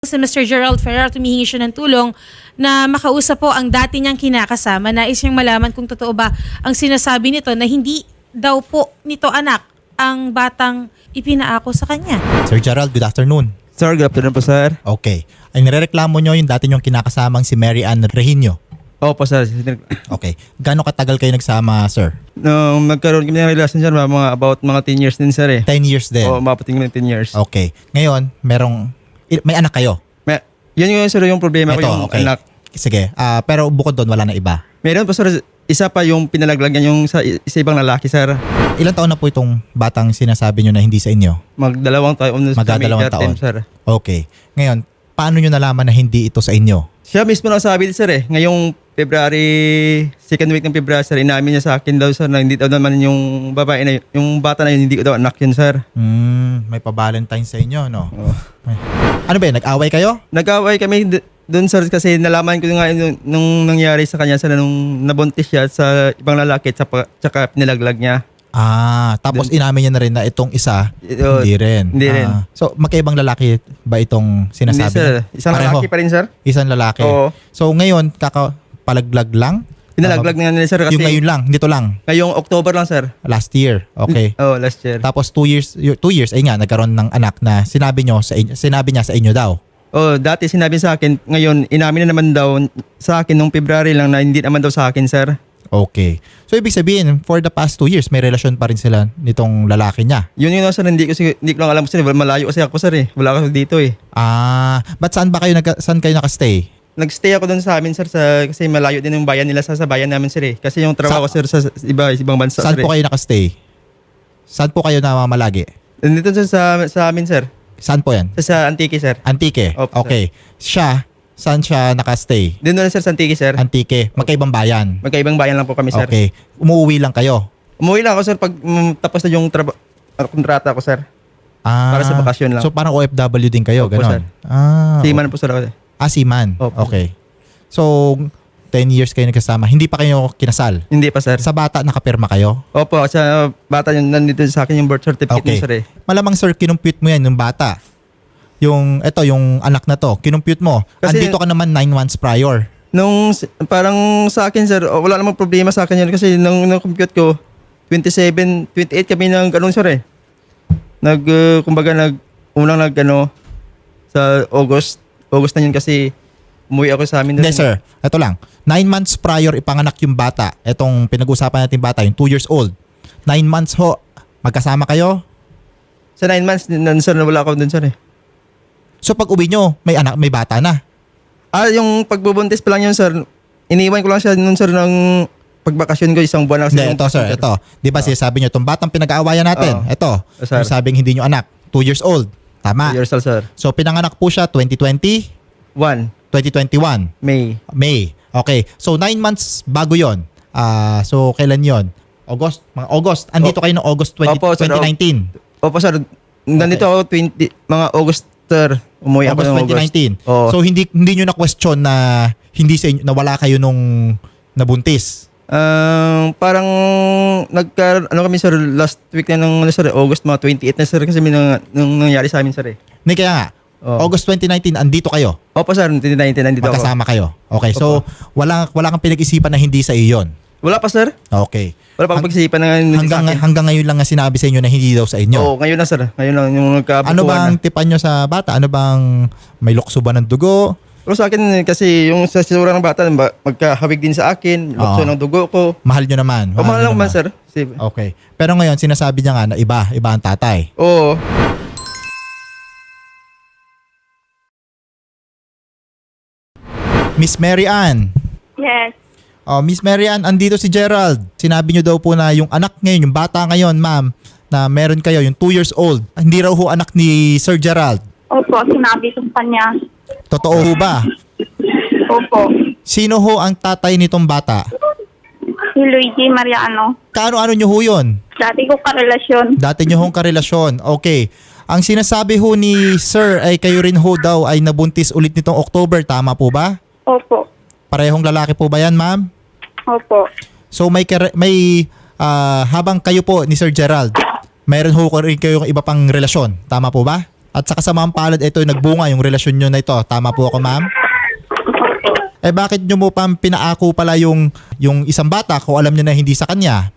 Si Mr. Gerald Ferrer, tumihingi siya ng tulong na makausap po ang dati niyang kinakasama. Nais niyang malaman kung totoo ba ang sinasabi nito na hindi daw po nito anak ang batang ipinaako sa kanya. Sir Gerald, good afternoon. Sir, good afternoon po, sir. Okay. Ay nirereklamo nyo yung dati nyong kinakasamang si Mary Ann Regino. Opo, sir. Okay. Gaano katagal kayo nagsama, sir? Nung nagkaroon kami ng relasyon, sir, about mga 10 years din, sir, eh. 10 years din. Oo, mapating ng 10 years. Okay. Ngayon, may anak kayo? Yan yung, sir, yung problema ko, yung okay. anak. Sige. Pero bukod doon, wala na iba. Meron po, sir, isa pa yung pinalaglag niya yung sa ibang lalaki, sir. Ilang taon na po itong batang sinasabi nyo na hindi sa inyo? Magdalawang taon. Magdadalawang taon. Sir. Okay. Ngayon, paano nyo nalaman na hindi ito sa inyo? Siya mismo nagsabi, sir, eh. Ngayong February, second week ng February, sir, inamin niya sa akin daw, sir, na hindi daw naman yung babae na yung bata na yun, hindi ko daw anak yun, sir. May pa-Valentine sa inyo, no? Oh. Ano ba yun? Nag-away kayo? Nag-away kami doon, sir, kasi nalaman ko nga nung nangyari sa kanya, sir, nung nabuntis siya sa ibang lalaki tsaka pinalaglag niya. Tapos inamin niya na rin na itong isa, hindi rin. Hindi rin. So, magkaibang lalaki ba itong sinasabi? Hindi, sir. niya? Isang Pareho. lalaki pa rin, sir. Isang lalaki. Oo. So, ngayon, kakapalaglag lang? Pinalaglag nga nila, sir, kasi Yung ngayon lang, dito lang, ngayong October lang, sir. last year. Okay. Oh, last year. Tapos 2 years, ay nga, nagkaroon ng anak na sinabi niya sa inyo daw. Oh, dati sinabi sa akin, ngayon inamin na naman daw sa akin nung February lang na hindi naman daw sa akin, sir. Okay. So, ibig sabihin, for the past 2 years, may relasyon pa rin sila nitong lalaki niya. Yun yun, sir, hindi ko lang alam, sir. Malayo kasi ako, sir, eh. Wala ako dito, eh. Ba't saan kayo nakastay? Nagstay ako doon sa amin, sir, kasi malayo din yung bayan nila sa bayan namin, sir, eh. Kasi yung trabaho ko, sir, sa ibang bansa, Saan sir, po eh. kayo nakastay? Saan po kayo namamalagi? Nandito, sir, sa amin, sir. Saan po yan? Sa Antique, sir. Antique. Opo, Okay. Saan siya nakastay? Doon na, sir, sa Antique, sir. Antique. Magkaibang bayan. Magkaibang bayan lang po kami, sir. Okay. Umuwi lang kayo? Umuwi lang ako, sir, pag tapos na yung kontrata ko, sir. Para sa bakasyon lang. So parang OFW din kayo, Opo, ganon? sir. Okay. Seaman po, sir, ako. Seaman. Opo. Okay. So, 10 years kayo nagkasama. Hindi pa kayo kinasal? Hindi pa, sir. Sa bata, nakapirma kayo? Opo, sa bata yung nandito sa akin yung birth certificate Okay. niya, sir, eh. Malamang, sir, kinumpute mo yan, yung bata. Yung anak na to, kinumpute mo. Kasi- Andito ka naman 9 months prior. Nung parang sa akin, sir, wala namang problema sa akin yun kasi nung compute ko, 28 kami ng ganun, sir, eh. Sa August na yun kasi umuwi ako sa amin. Hindi, sir. Ito lang. 9 months prior ipanganak yung bata. Etong pinag-usapan natin bata, yung 2 years old. 9 months ho, magkasama kayo? Sa 9 months, sir, wala ako dun, sir, eh. So pag uwi nyo, may bata na. Yung pagbubuntis pa lang yun, sir, iniwan ko lang siya nun, sir, ng pagbakasyon ko, isang buwan lang. Hindi, ito, sir. Ito. Di ba sinasabi nyo, itong batang pinag-aawayan natin, Oo. ito. Sir. Yung sabing hindi nyo anak, 2 years old. Tama. Yourself, sir. So pinanganak po siya 2020, 2021, May. Okay. So 9 months bago yon. So kailan yon? Mga August. Andito kayo ng August Opo, sir. 2019. Opo, sir. Nandito ako mga August, sir. Umuwi ako August ng 2019. Oo. So hindi nyo na question na hindi sa inyo, na wala kayo nung nabuntis. Parang kami, sir, last week na ng sir, August mga 28 na, sir, kasi nung nangyari sa amin, sir, eh. Hindi kaya nga. Oo. August 2019 andito kayo. Opo, sir, 2019 nandito ako. Magkasama kayo. Okay. So wala kang pinag-isipan na hindi sa iyo 'yon. Wala pa, sir. Okay. Wala pa pag-isipan na Hanggang ngayon lang nga sinabi sa inyo na hindi daw sa inyo. Oo, ngayon na, sir. Ngayon lang yung nagkabukuhan Ano bang tipan nyo sa bata? Ano bang may lukso ba ng dugo? Pero sa akin, kasi yung sa sisura ng bata, magkahawig din sa akin, lukso Oo. ng dugo ko. Mahal nyo naman. O, mahal nyo lang man, naman. sir. Okay. Pero ngayon, sinasabi niya nga na iba ang tatay. Oo. Miss Mary Ann. Yes. Miss Mary Ann, andito si Gerald. Sinabi nyo daw po na yung anak ngayon, yung bata ngayon, ma'am, na meron kayo, yung 2 years old, hindi raw ho anak ni Sir Gerald. Opo, sinabi ko sa kanya. Totoo ho ba? Opo. Sino ho ang tatay nitong bata? Si Luigi Mariano. Kaano nyo ho yun? Dati ko karelasyon. Dati nyo hong karelasyon. Okay. Ang sinasabi ho ni Sir ay kayo rin ho daw ay nabuntis ulit nitong October. Tama po ba? Opo. Parehong lalaki po ba yan, ma'am? Opo. So habang kayo po ni Sir Gerald, mayroon ho rin kayong iba pang relasyon. Tama po ba? At sa kasamaang palad, ito nagbunga yung relasyon nyo na ito. Tama po ako, ma'am? Eh bakit nyo mo pa pinaako pala yung isang bata kung alam nyo na hindi sa kanya?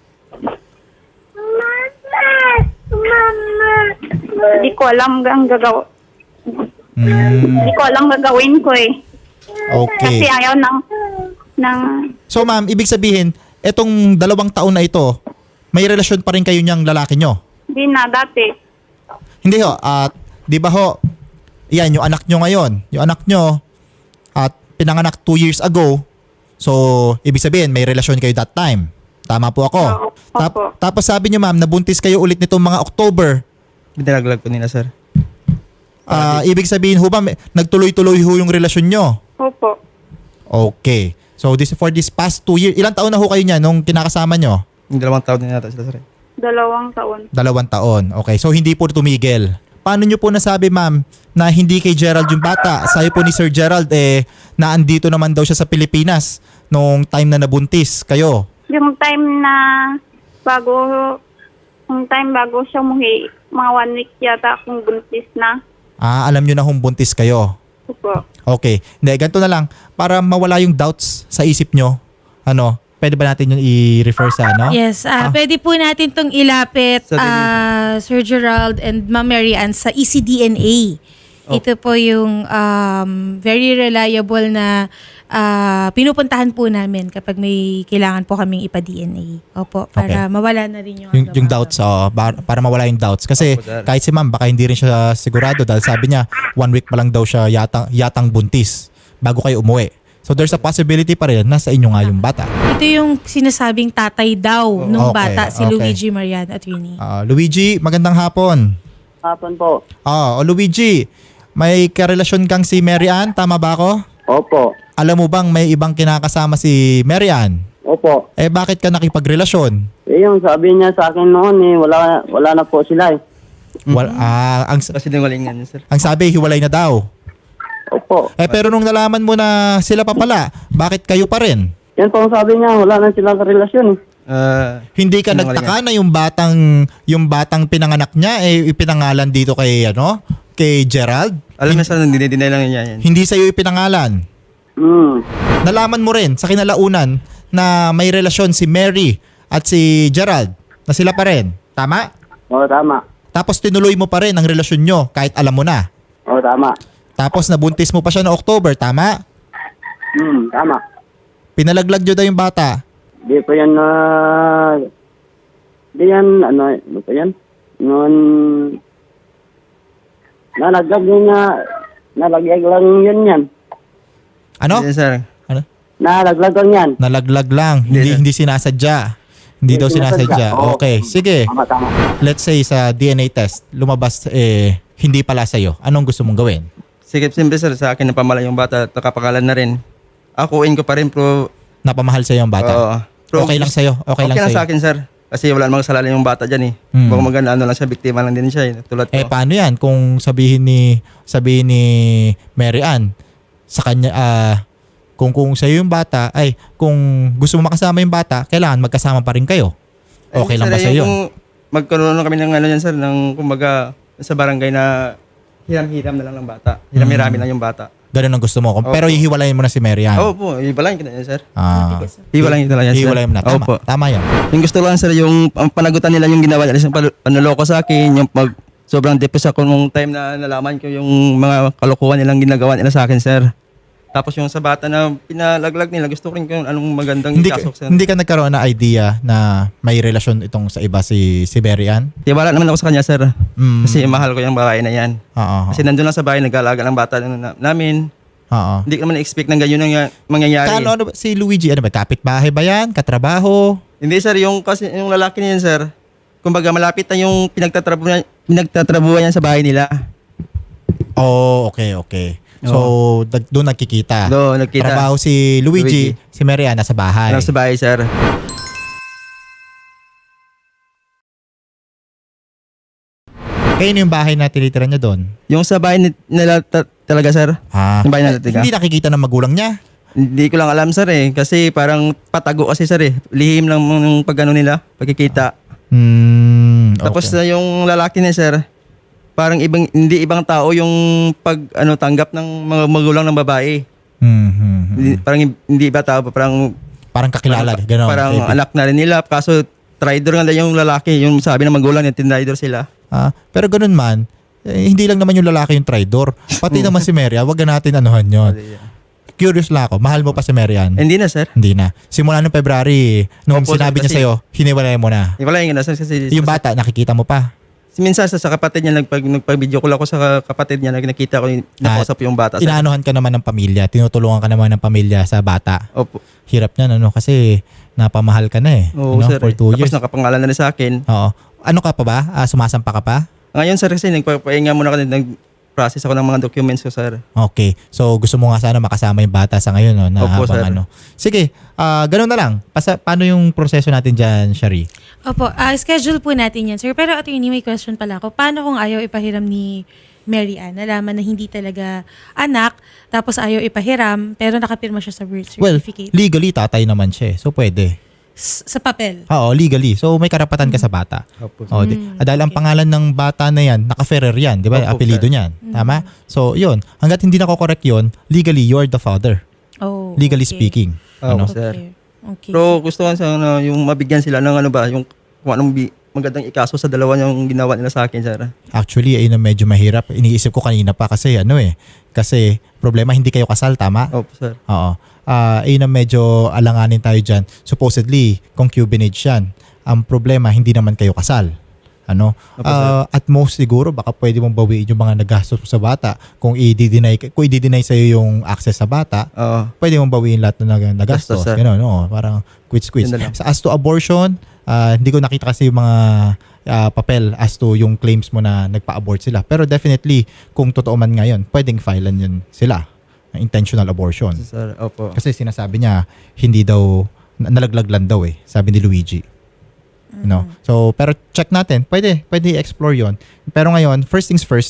Hindi ko alam ang gagawa. Hmm, Hindi ko alam gagawin ko eh. okay. Kasi ayaw ng So ma'am, ibig sabihin, etong 2 taon na ito, may relasyon pa rin kayo niyang lalaki nyo? hindi na dati. Hindi ho, at di ba ho, yan, yung anak nyo ngayon, yung anak nyo, at pinanganak 2 years ago, so ibig sabihin, may relasyon kayo that time. Tama po ako. Oo, opo. Tapos sabi nyo ma'am, nabuntis kayo ulit nitong mga October. Binalaglag ko nila, sir. Ibig sabihin ho ba, nagtuloy-tuloy ho yung relasyon nyo? Opo. Okay. So for this past 2 years, ilang taon na ho kayo niya nung kinakasama nyo? Yung 2 taon din yata sila, sir. 2 taon. 2 taon. Okay. So hindi po tumigil. Paano nyo po nasabi ma'am na hindi kay Gerald yung bata? Sabi po ni Sir Gerald na andito naman daw siya sa Pilipinas nung time na nabuntis kayo. Yung time bago siya umuwi, mga 1 week yata akong buntis na. Alam nyo na kung buntis kayo. Opo. Okay. Hindi, ganito na lang. Para mawala yung doubts sa isip nyo, pwede ba natin yung i-refer sa Yes, pwede po natin tong ilapit, Sa Sir Gerald and Ma'am Mary Ann sa ECDNA. Ito po yung very reliable na pinupuntahan po namin kapag may kailangan po kaming ipa-DNA. Opo, para Okay. mawala na rin yung yung doubts, para mawala yung doubts. Kasi Opo, sir. kahit si ma'am, baka hindi rin siya sigurado dahil sabi niya, 1 week pa lang daw siya yatang buntis bago kayo umuwi. So there's a possibility pa rin na sa inyo nga yung bata. Ito yung sinasabing tatay daw nung Okay, bata, si okay. Luigi Marian Attorney. Luigi, magandang hapon. Hapon po. Luigi, may karelasyon kang si Mary Ann, tama ba ako? Opo. Alam mo bang may ibang kinakasama si Mary Ann? Opo. Bakit ka nakipagrelasyon? Yung sabi niya sa akin noon wala na po sila eh. Kasi dingalingan niya, sir. Ang sabi, hiwalay na daw. Opo. Pero nung nalaman mo na sila pa pala, bakit kayo pa rin? Yan po ang sabi niya, wala na silang relasyon eh. Hindi ka Sinungalingan. nagtaka na yung batang pinanganak niya ipinangalan dito kay Gerald? Alam niya, sir, dinay lang niya yan. Hindi sa'yo ipinangalan. Nalaman mo rin sa kinalaunan na may relasyon si Mary at si Gerald na sila pa rin. Tama? Oo, tama. Tapos tinuloy mo pa rin ang relasyon nyo kahit alam mo na. Oo, tama. Tapos nabuntis mo pa siya noong October. Tama? Tama. Pinalaglag nyo daw yung bata. Di po yan ano po yan? Noon, nalaglag lang yan. Ano? Yes, sir. Ano? Nalaglag lang yan. Nalaglag lang. Hindi sinasadya. Hindi daw sinasadya. Oo. Okay. Sige. Tama. Let's say sa DNA test, lumabas hindi pala sa'yo. Anong gusto mong gawin? Sige, simple, sir. Sa akin, napamala yung bata at nakapakalan na rin. Akuin ko pa rin, pero... Napamahal sa'yo ang bata? Oo. Pero Okay lang sa'yo? Okay lang sa'yo? sa akin, sir. Kasi wala namang kasalanan yung bata dyan eh. Baka maganda, lang siya, biktima lang din siya eh. Tulad ko. Paano yan kung sabihin ni Mary Ann sa kanya, kung sa'yo yung bata, kung gusto mo makasama yung bata, kailangan magkasama pa rin kayo. Okay lang ba sir, sa'yo? yung magkaroon kami ng yan, sir, ng kumbaga sa barangay na hiram-hiram na lang ng bata. Hiram-hirami lang yung bata. Ganun ang gusto mo. Opo. Pero hihiwalayin mo na si Mary Ann. Oo po, ibalayin kita yan, sir. Hiwalayin Ibalayin kita lang yan, sir. mo na. Tama, Opo. tama yan. Yung gusto lang, sir, yung ang panagutan nila yung ginawa nila, yung panuloko sa akin, yung sobrang depressed ako nung time na nalaman ko yung mga kalokohan nilang ginagawa nila sa akin, sir. Tapos yung sa bata na pinalaglag nila, gusto ko rin kung anong magandang ikasok, sir. Hindi ka nagkaroon na idea na may relasyon itong sa iba si Mary Ann? Tiwala naman ako sa kanya, sir. Mm. Kasi mahal ko yung babae na yan. Oo. Kasi nandun lang sa bahay, nag-aalaga ng bata namin. Oo. Hindi ko naman expect ng ganyan ang mangyayari. Ano ba, si Luigi, ano ba, kapitbahay ba yan? Katrabaho? Hindi, sir, kasi yung lalaki niyan, sir, kumbaga malapit na yung pinagtatrabuhan niya sa bahay nila. Oh, okay. So, doon nagkikita. Doon, nagkita. Trabaho si Luigi, si Mary Ann nasa bahay. Sa bahay, sir. Kayo yung bahay na tinitira niya doon? Yung sa bahay nila talaga, sir. Yung bahay nila talaga. Hindi nakikita ng magulang niya? Hindi ko lang alam, sir, eh. Kasi parang patago kasi, sir, eh. Lihim lang yung pagano nila, pagkikita. Okay. Tapos yung lalaki niya, sir, parang hindi ibang tao yung tanggap ng mga magulang ng babae. Parang hindi iba tao, Parang kakilala. Ganon. parang Maybe. anak na rin nila. Kaso traitor nga lang yung lalaki. Yung sabi ng magulang niya, tinrider sila. Pero ganun man, hindi lang naman yung lalaki yung traidor. Pati naman si Mary, wag na natin anuhan yun. Curious lang ako, mahal mo pa si Mary Ann? Hindi na, sir. Hindi na. Simula nung February, nung Opo, sinabi niya kasi- sa'yo, hiniwalay mo na. Wala yung nasa kasi Yung bata, nakikita mo pa. minsan sa kapatid niya nagpag-video call ako sa kapatid niya, nakita ko yung nakausap yung bata. Sir. Inaanuhan ka naman ng pamilya, tinutulungan ka naman ng pamilya sa bata. Opo. Hirap niyan, kasi napamahal ka na eh. Oo, sir. For 2 years. Tapos nakapangalan na rin sa akin. Oo. Ano ka pa ba? Sumasampa ka pa? Ngayon, sir, kasi nagpapahinga muna kasi nag-process ako ng mga documents ko, sir. Okay. So gusto mo nga sana makasama yung bata sa ngayon, no? Na Opo, habang sir. Sige, ganun na lang. Paano yung proseso natin dyan, Shari? Opo, schedule po natin yan, sir. Pero attorney, may question pala ako. Paano kung ayaw ipahiram ni Mary Ann? Nalaman na hindi talaga anak, tapos ayaw ipahiram, pero nakapirma siya sa birth Well, certificate. legally tatay naman siya. So pwede. Sa papel. Oo, legally. So may karapatan ka sa bata. Opo. Oh, dahil ang pangalan ng bata na yan, naka-Ferrer yan, di ba? Opo, Apelido sir. niyan. Tama? So, yun. Hanggat hindi nako-correct yun, legally, you're the father. Oh, Legally okay. speaking. Oo, Ano? sir. Okay. Pero gusto ko sana yung mabigyan sila ng yung kung anong magandang ikaso sa dalawa yung ginawa nila sa akin, sir. Actually, ayun ang medyo mahirap. Iniisip ko kanina pa kasi kasi problema hindi kayo kasal, tama? Opo, sir. Oo. Ayun ang medyo alanganin tayo dyan. Supposedly, concubinage yan. Ang problema, hindi naman kayo kasal. Ano? Opo, sir. At most siguro, baka pwede mong bawiin yung mga nagastos mo sa bata. Kung i-deny sa'yo yung access sa bata, Oo. pwede mong bawiin lahat na nagastos. Gastos, sir. Ganun, no? Parang quits-quits. Yun na lang. As to abortion, hindi ko nakita kasi yung mga papel as to yung claims mo na nagpa-abort sila. Pero definitely, kung totoo man ngayon, pwedeng filean yun sila. Intentional abortion. Sir, opo. Kasi sinasabi niya, hindi daw, nalaglag lang daw sabi ni Luigi. No? So, pero check natin. Pwede i-explore yon. Pero ngayon, first things first,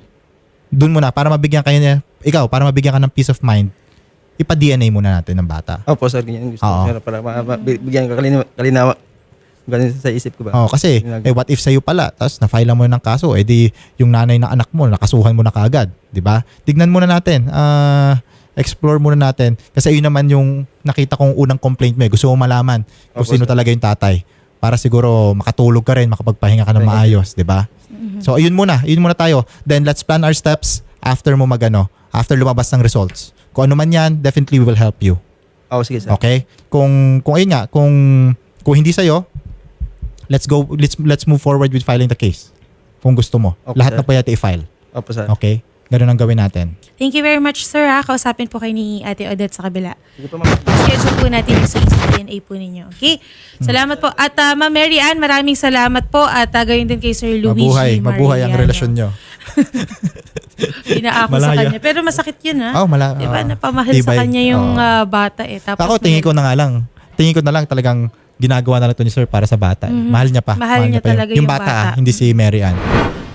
dun muna, para mabigyan para mabigyan ka ng peace of mind, ipa-DNA muna natin ng bata. Opo, sir. Ganyan gusto Oo. ko, sir. Para bigyan ka kalinawa. Ganun sa isip ko ba? Oo, kasi, what if sa'yo pala, tapos na-file mo ng kaso, di yung nanay ng anak mo, nakasuhan mo na kaagad. Di ba? Tignan muna natin. Explore muna natin. Kasi yun naman yung nakita kong unang complaint mo. Gusto mo malaman kung Opo, sino sir. talaga yung tatay. Para siguro makatulog ka rin, makapagpahinga ka ng maayos. Di ba? So, ayun muna tayo. Then, let's plan our steps after mo after lumabas ng results. Kung ano man yan, definitely we will help you. Oo, sige, sir. Okay? Kung ayun nga, kung hindi sa'yo, let's move forward with filing the case. Kung gusto mo. Okay, Lahat sir. na pwede i-file. Opo, sir. Okay? Ganun ang gawin natin. Thank you very much, sir. Kausapin po kayo ni Ate Odette sa kabila. Sige po, ma'am. Schedule po natin yung sa DNA po ninyo. Okay? Salamat po. At Ma'am Mary Ann, maraming salamat po. At gayon din kay Sir Luigi Mabuhay ang Mariano. relasyon nyo. Pinaako sa Malaya. kanya. Pero masakit yun, ha? Di ba? Napamahal sa Tibay. kanya yung Oo. bata Tapos Ako, tingin ko na lang talagang ginagawa na lang to ni Sir para sa bata. Mahal niya pa. Mahal niya pa talaga yung yung bata. bata. Hindi si Mary Ann.